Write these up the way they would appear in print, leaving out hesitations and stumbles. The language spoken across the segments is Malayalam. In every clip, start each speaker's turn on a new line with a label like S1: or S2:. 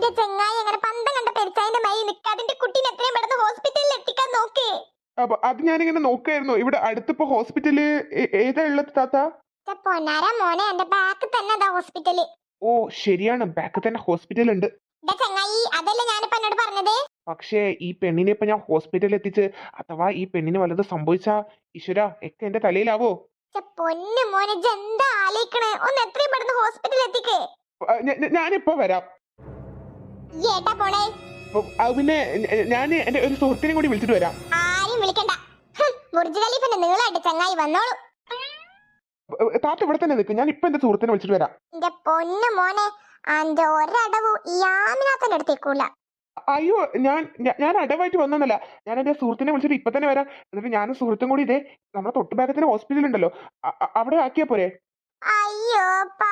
S1: എന്റെ ചെങ്ങായി അങ്ങനെ പന്തം കണ്ട പെരുച്ചായന്റെ മൈ നിൽക്കാതിന്റെ കുട്ടീനെ എത്രയും പെട്ടെന്ന് ഹോസ്പിറ്റലിൽ എത്തിക്കാൻ നോക്കേ.
S2: അപ്പൊ അത് ഞാനിങ്ങനെ നോക്കായിരുന്നു. ഇവിടെ അടുത്തിപ്പോ ഹോസ്പിറ്റല് ഏതാ ഉള്ളത് താത്ത?
S1: പൊന്നാര മോനെ, എന്റെ ബാക്ക് തന്നെ ഹോസ്പിറ്റല്.
S2: ഓ ശരിയാണ്, ബാക്ക് തന്നെ ഹോസ്പിറ്റൽ ഉണ്ട്.
S1: ചെങ്ങായി അതല്ല ഞാനിപ്പോ എന്നോട് പറഞ്ഞത്.
S2: പക്ഷേ ഈ പെണ്ണിനെ ഇപ്പൊ ഞാൻ ഹോസ്പിറ്റലിൽ എത്തിച്ച് അഥവാ ഈ പെണ്ണിന് വല്ലത് സംഭവിച്ചാ ഈശ്വര ഒക്കെ എന്റെ തലയിലാവോ?
S1: പൊന്നു മോനെ, എന്താ ആലോചിക്കണേ? ഒന്ന് എത്രയും പെട്ടെന്ന് ഹോസ്പിറ്റലിൽ എത്തിക്കേ.
S2: ഞാനിപ്പോ വരാം.
S1: ഏട്ടാ പോണേ?
S2: പിന്നെ ഞാൻ എന്റെ ഒരു സുഹൃത്തിനെ കൂടി വിളിച്ചിട്ട് വരാം.
S1: ആരും വിളിക്കണ്ട. ബുർജ് ഖലീഫിന്റെ നീളായിട്ട് ചങ്ങായി വന്നോളൂ.
S2: താത്ത ഇവിടെ തന്നെ നിൽക്കും, ഞാൻ ഇപ്പൊ എന്റെ സുഹൃത്തിനെ വിളിച്ചിട്ട് വരാം.
S1: എന്റെ പൊന്നു മോനെ, അന്റെ ഒരടവും ഈ ആമിനാത്തന്റെ അടുത്തേക്കൂല.
S2: അയ്യോ ഞാൻ അടവായിട്ട് വന്നല്ല, ഞാൻ എന്റെ സുഹൃത്തിനെ വിളിച്ചിട്ട് ഇപ്പൊ തന്നെ വരാം. എന്നിട്ട് ഞാനും സുഹൃത്തും കൂടി ഇതേ നമ്മുടെ തൊട്ടുഭാഗത്തിന് ഹോസ്പിറ്റൽ ഉണ്ടല്ലോ അവിടെ ആക്കിയാ പോരെ?
S1: അയ്യോ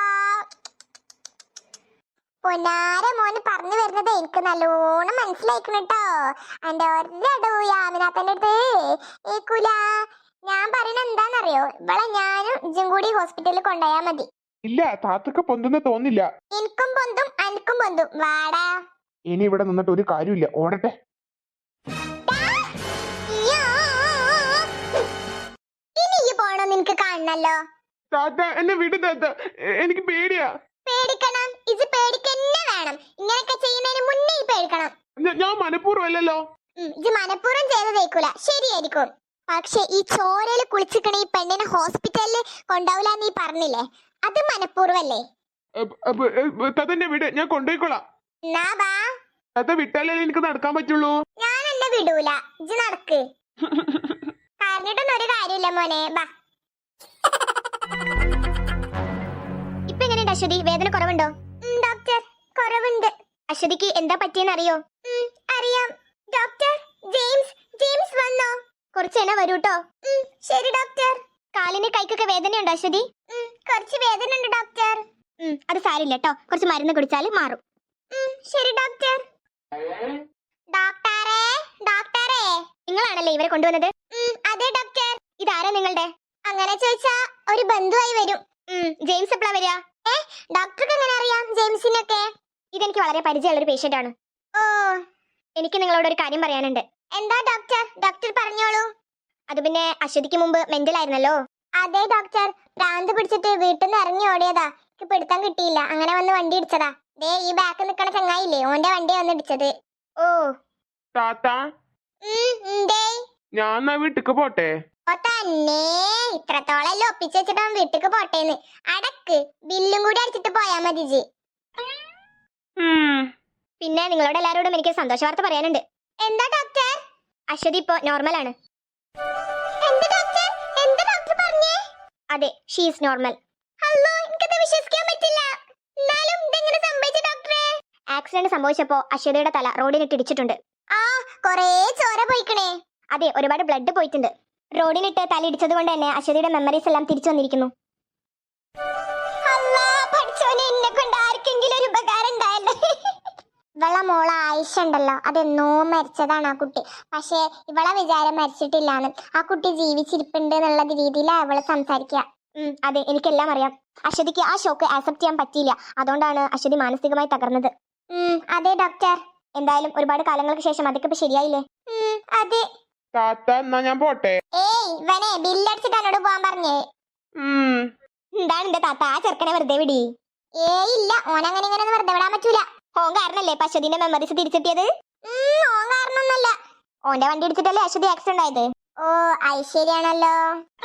S1: പൊന്നാര മോന് പറഞ്ഞു വരുന്നത് എനിക്ക് നല്ലോണം മനസ്സിലായിക്കണട്ടോ. എന്റെ ഒരടവും ഈ ആമിനാത്തന്റെ അടുത്ത് ഏക്കൂല. ഞാൻ പറയണ എന്താന്നറിയോ, ഇവളെ ഞാനും ഇജും കൂടി ഹോസ്പിറ്റലിൽ കൊണ്ടുപോയാ മതി.
S2: ഇല്ല, താത്തൊക്കെ പൊന്തുന്ന തോന്നില്ല.
S1: എനിക്കും പൊന്തും അനക്കും പൊന്തും. വാടാ.
S2: ഇനി ഇവിടെ നിന്നിട്ട് ഒരു കാര്യമില്ല, ഓടട്ടെ.
S1: ഇനി ഈ പോണോ നിനക്ക് കാണണല്ലോ.
S2: താത്ത എന്നെ വിട് താത്ത, എനിക്ക് പേടിയാ.
S1: പേടിക്കണം, ഇത് പേടിക്കന്നെ വേണം. ഇങ്ങനെയൊക്കെ ചെയ്യുന്നതിന് മുന്നേ ഈ പേടിക്കണം.
S2: ഞാൻ മനഃപൂർവ്വം അല്ലല്ലോ.
S1: ഇത് മനഃപൂർവ്വം ചെയ്തതേക്കൂല, ശരിയായിരിക്കും. പക്ഷെ ഈ ചോരയില് കുളിച്ചിക്കണ ഈ പെണ്ണിനെ ഹോസ്പിറ്റലിൽ കൊണ്ടുപോകില്ല നീ പറഞ്ഞില്ലേ, അത് മനഃപൂർവ്വല്ലേ?
S2: തന്നെ വിട്, ഞാൻ കൊണ്ടുപോയിക്കോളാം. താത്ത വിട്ടാലേ എനിക്ക് നടക്കാൻ പറ്റുള്ളൂ.
S1: ഞാൻ എന്നെ വിടൂല, ഇജ്ജ് നടക്ക്. പറഞ്ഞിട്ടൊന്നും ഒരു കാര്യമില്ല മോനെ, ബാ. ഇപ്പൊ എങ്ങനെയുണ്ട് അശ്വതി? വേദന കുറവുണ്ടോ? ഡോക്ടർ, കുറവുണ്ട്. അശ്വതിക്ക് എന്താ പറ്റിയെന്ന് അറിയോ? അറിയാം ഡോക്ടർ. ജെയിംസ് വന്നോ? കുറച്ച് എന്നെ വരൂട്ടോ. ശരി ഡോക്ടർ. കാലിന് കൈക്കൊക്കെ വേദനയുണ്ടോ അശ്വതി? കുറച്ച് വേദന ഉണ്ട് ഡോക്ടർ. അത് സാരില്ല കേട്ടോ, കുറച്ച് മരുന്ന് കുടിച്ചാൽ മാറും. ശരി ഡോക്ടർ. ഡോക്ടറെ നിങ്ങളാണല്ലേ ഇവരെ കൊണ്ടുവന്നത്? അതെ ഡോക്ടർ. ഇതാരാ നിങ്ങളുടെ? അങ്ങനെ ചോദിച്ചാ ഒരു ബന്ധുവായി വരും. ജെയിംസ് എപ്പോഴാ വരിക? ഡോക്ടർക്ക് എങ്ങനെ അറിയാം ജെയിംസിനൊക്കെ? ഇതെനിക്ക് വളരെ പരിചയമുള്ള ഒരു പേഷ്യന്റ് ആണ്. ഓ, എനിക്ക് നിങ്ങളോട് ഒരു കാര്യം പറയാനുണ്ട്. എന്താ ഡോക്ടർ? ഡോക്ടർ പറഞ്ഞോളൂ. അത് പിന്നെ അശ്വതിക്ക് മുമ്പ് മെന്റൽ ആയിരുന്നല്ലോ. അതെ ഡോക്ടർ, ഭ്രാന്ത് പിടിച്ചിട്ട് വീട്ടിൽ നിന്ന് ഇറങ്ങി ഓടിയതാ. എനിക്ക് പിടുത്തം കിട്ടിയില്ല, അങ്ങനെ വന്ന് വണ്ടി ഇടിച്ചതാ. ദേ ഈ ബാക്ക് നിക്കണ ചങ്ങായില്ലേ, ഓന്റെ വണ്ടി വന്ന് ഇടിച്ചത്. ഓ
S2: താത്ത, ഞാൻ വീട്ടിക്ക് പോട്ടെ?
S1: തന്നെ, ഇത്രത്തോളം ഒപ്പിച്ച് വെച്ചിട്ട് വീട്ടിക്ക് പോട്ടേന്ന്. അടക്ക്, ബില്ലും കൂടി അടിച്ചിട്ട് പോയാ മതി ജി. പിന്നെ നിങ്ങളോട് എല്ലാരോടും എനിക്ക് സന്തോഷ വാർത്ത പറയാനുണ്ട്. എന്താ ഡോക്ടർ? അശ്വതി ഇപ്പോ നോർമൽ ആണ്. അതെ, ഷീ ഈസ് നോർമൽ. വിശ്വസിക്കാൻ പറ്റില്ല. ആക്സിഡന്റ് സംഭവിച്ചപ്പോ അശ്വതിയുടെ തല റോഡിനിട്ട് ഇടിച്ചിട്ടുണ്ട്. കൊറേ ചോര പോയിക്കണേ. അതെ, ഒരുപാട് ബ്ലഡ് പോയിട്ടുണ്ട്. റോഡിനിട്ട് തല ഇടിച്ചത് കൊണ്ട് തന്നെ അശ്വതിയുടെ മെമ്മറീസ് എല്ലാം തിരിച്ചു വന്നിരിക്കുന്നു. ഇവളെ മോള ആയിഷ ഉണ്ടല്ലോ, അതെന്നോ മരിച്ചതാണ് ആ കുട്ടി. പക്ഷെ ഇവളെ വിചാരം മരിച്ചിട്ടില്ലാന്ന്. ആ കുട്ടി ജീവിച്ചിരിപ്പുണ്ട് എന്നുള്ള രീതിയിലാ അവള് സംസാരിക്കുക. അതെ, എനിക്കെല്ലാം അറിയാം. അശ്വതിക്ക് ആ ഷോക്ക് ആക്സെപ്റ്റ് ചെയ്യാൻ പറ്റിയില്ല, അതുകൊണ്ടാണ് അശ്വതി മാനസികമായി തകർന്നത്. അതെ ഡോക്ടർ. എന്തായാലും ഒരുപാട് കാലങ്ങൾക്ക് ശേഷം അതൊക്കെ ഇപ്പൊ ശരിയായില്ലേ? അതെ.
S2: ഞാൻ പോട്ടെ.
S1: ഏയ്, ഇവനെ ബില്ലടിച്ചിട്ട് എന്നോട് പോവാൻ പറഞ്ഞേ. എന്താണ് എന്റെ താത്ത, ആ ചെറുക്കനെ വെറുതെ വിടി. ഏയ് ഇല്ല, ഓനങ്ങനെ ഇങ്ങനെ വെറുതെ വിടാൻ പറ്റൂല. ഓൻ കാരണല്ലേ അശ്വതിന്റെ മെമ്മറീസ് തിരിച്ചെത്തിയത്? ഓൻ കാരണമൊന്നല്ല, ഓന്റെ വണ്ടി ഇടിച്ചിട്ടല്ലേ അശ്വതി ആക്സിഡന്റ് ആയത്. ഓ ഐശ്വര്യാണല്ലോ.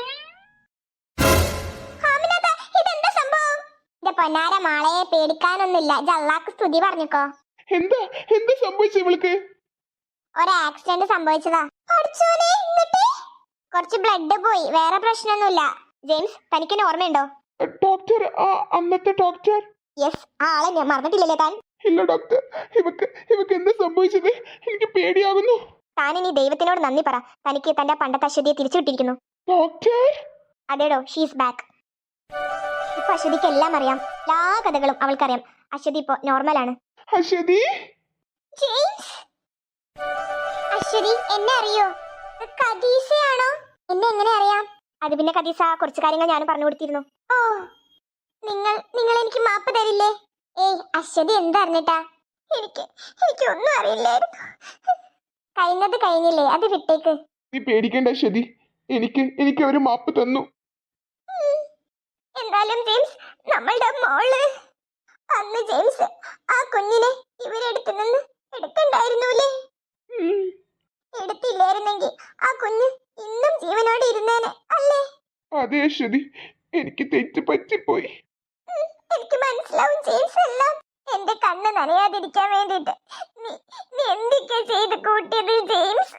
S1: ഇതെന്താ സംഭവം? എന്റെ പൊന്നാര മാളെ, പേടിക്കാനൊന്നുമില്ല. ജല്ലാക്ക് സ്തുതി പറഞ്ഞിക്കോ.
S2: എന്താ സംഭവിച്ചു ഇവൾക്ക്?
S1: ഒരു ആക്സിഡന്റ് സംഭവിച്ചതാ. കുറച്ച് ബ്ലഡ് പോയി, വേറെ പ്രശ്നമൊന്നുമില്ല. ജെയിംസ്, തനിക്കെന്നെ ഓർമ്മയുണ്ടോ?
S2: ഡോക്ടർ, അന്നത്തെ ഡോക്ടർ?
S1: യെസ്, ആ ആളെ ഞാൻ മറന്നിട്ടില്ലല്ലേ താൻ?
S2: ഇല്ല ഡോക്ടർ, ഇവക്ക് എന്താ സംഭവിച്ചത്? എനിക്ക് പേടിയാകുന്നു.
S1: താൻ ഇനി ദൈവത്തിനോട് നന്ദി പറ, തനിക്ക് തന്റെ പണ്ടത്തെ അശ്വതിയെ തിരിച്ചു കിട്ടിയിരിക്കുന്നു.
S2: ഡോക്ടർ?
S1: അതേടോ, ഷീസ് ബാക്ക്. ഇപ്പൊ അശ്വതിക്ക് എല്ലാം അറിയാം, എല്ലാ കഥകളും അവൾക്കറിയാം. അശ്വതി ഇപ്പൊ നോർമലാണ്.
S2: അശ്വതി?
S1: ജെയിംസ്, അശ്വതി എന്നെ അറിയോ? കദീസയാണോ? എന്നെ എങ്ങനെ അറിയാം? അത് പിന്നെ കദീസ കുറച്ച് കാര്യങ്ങൾ ഞാൻ പറഞ്ഞു കൊടുത്തിരുന്നു. ഓ, നിങ്ങൾ എനിക്ക് മാപ്പ് തരില്ലേ? ഏയ് അശ്വതി എന്താ അറിഞ്ഞിട്ടാ? എനിക്കൊന്നും അറിയില്ലായിരുന്നു. കഴിഞ്ഞത് കഴിഞ്ഞില്ലേ, അത് വിട്ടേക്ക്.
S2: നീ പേടിക്കേണ്ട അശ്വതി, എനിക്ക് അവര് മാപ്പ് തന്നു.
S1: എന്തായാലും ജെയിംസ്, നമ്മളുടെ മോള് അന്ന് ജെയിംസ് ആ കുഞ്ഞിനെ ഇവരെടുത്തു നിന്ന് എടുക്കണ്ടായിരുന്നൂലേ?
S2: ഉം.
S1: എടുത്തില്ലായിരുന്നെങ്കിൽ ആ കുഞ്ഞ് ഇന്നും ജീവനോടെ ഇരുന്നേനെ അല്ലേ?
S2: അതെ അശ്വതി, എനിക്ക് തെറ്റ് പറ്റിപ്പോയി.
S1: എനിക്ക് മനസ്സിലാവും ജെയിംസ് എല്ലാം. എന്റെ കണ്ണ് നനയാതിരിക്കാൻ വേണ്ടിട്ട് നീ എന്തൊക്കെ ചെയ്ത് കൂട്ടിയത് ജെയിംസ്?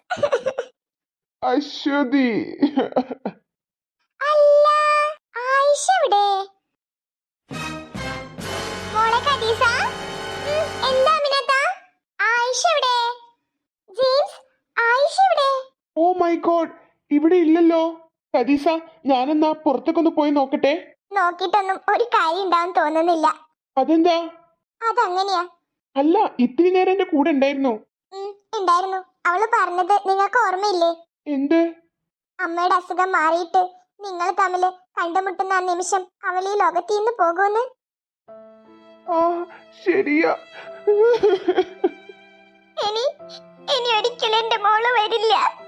S2: അശ്വതി.
S1: അല്ല, ആയിഷ എവിടെ? മോളെ ഖദീസ. എന്താ അമിനത്ത? ആയിഷ എവിടെ? ജെയിംസ്, ആയിഷ എവിടെ?
S2: ഓ മൈ ഗോഡ്, ഇവിടെ ഇല്ലല്ലോ. ഖദീസ, ഞാനെന്നാ പുറത്തേക്കൊന്ന് പോയി നോക്കട്ടെ.
S1: നോക്കിയിട്ടൊന്നും ഒരു കാര്യം ഉണ്ടാവും തോന്നുന്നില്ല.
S2: അതെന്താ?
S1: അതങ്ങനെയാ.
S2: അല്ല, ഇത്തിരി നേരം എന്റെ കൂടെ ഉണ്ടായിരുന്നു.
S1: ഉണ്ടായിരുന്നു. അവള് പറഞ്ഞത് നിങ്ങൾക്ക് ഓർമ്മയില്ലേ?
S2: എന്ത്?
S1: അമ്മയുടെ അസുഖം മാറിയിട്ട് നിങ്ങൾ തമ്മില് കണ്ടുമുട്ടുന്ന ആ നിമിഷം അവൾ ഈ ലോകത്തിൽ നിന്ന് പോകുമെന്ന്.
S2: ആ, ശരിയാ.
S1: ഇനി ഒരിക്കലും എന്റെ മോള് വരില്ല.